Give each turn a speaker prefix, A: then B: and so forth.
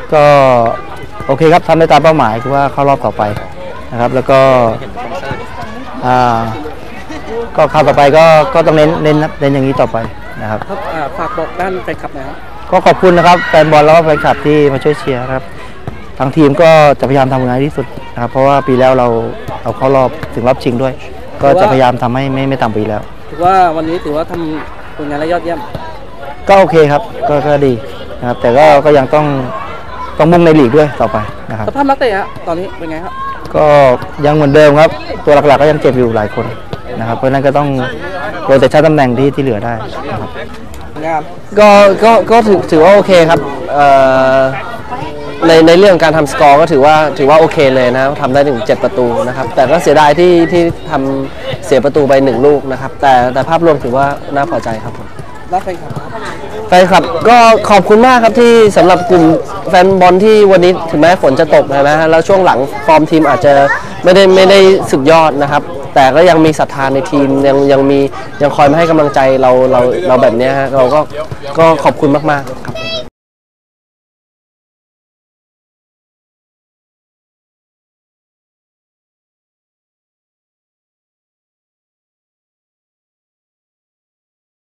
A: ก็โอเคครับทำได้ตามเป้าหมายคือว่าเข้ารอบต่อไปนะครับแล้วก็ก็คราวต่อไปก็ต้องเน้นอย่างนี้ต่อไปนะครับ
B: ฝากบอกด้านแฟนคลับหน่อยครับ
A: ก็ขอบคุณนะครับแฟนบอลแล้วก็แฟนคลับที่มาช่วยเชียร์ครับทางทีมก็จะพยายามทำงานที่สุดนะครับเพราะว่าปีแล้วเราเอาเข้ารอบถึงรอบชิงด้วยก็จะพยายามทำให้ไม่ต่ำปีแล้ว
B: ถือว่าวันนี้ถือว่าทำผลงานได้ยอดเยี่ยม
A: ก็โอเคครับก็ดีนะครับแต่ก็ยังต้องมุ่งในลีกด้วยต่อไปนะครับ
B: สภาพนักเตะตอนนี้เป็นไงครับ
A: ก็ยังเหมือนเดิมครับตัวหลักๆก็ยังเจ็บอยู่หลายคนนะครับเพราะนั้นก็ต้องโรเตชั่นตำแหน่งที่เหลือได้นะครับ
C: ก็ถือว่าโอเคครับในเรื่องการทำสกอร์ก็ถือว่าโอเคเลยนะทำได้ถึง7ประตูนะครับแต่ก็เสียดายที่ทำเสียประตูไป1ลูกนะครับแต่ภาพรวมถือว่าน่าพอใจครับผมแฟนคลับก็ขอบคุณมากครับที่สำหรับกลุ่มแฟนบอลที่วันนี้ถึงแม้ฝนจะตกนะฮะแล้วช่วงหลังฟอร์มทีมอาจจะไม่ได้สุดยอดนะครับแต่ก็ยังมีศรัทธาในทีมยังคอยมาให้กำลังใจเราแบบนี้ฮะเราก็ขอบคุณมากๆครับ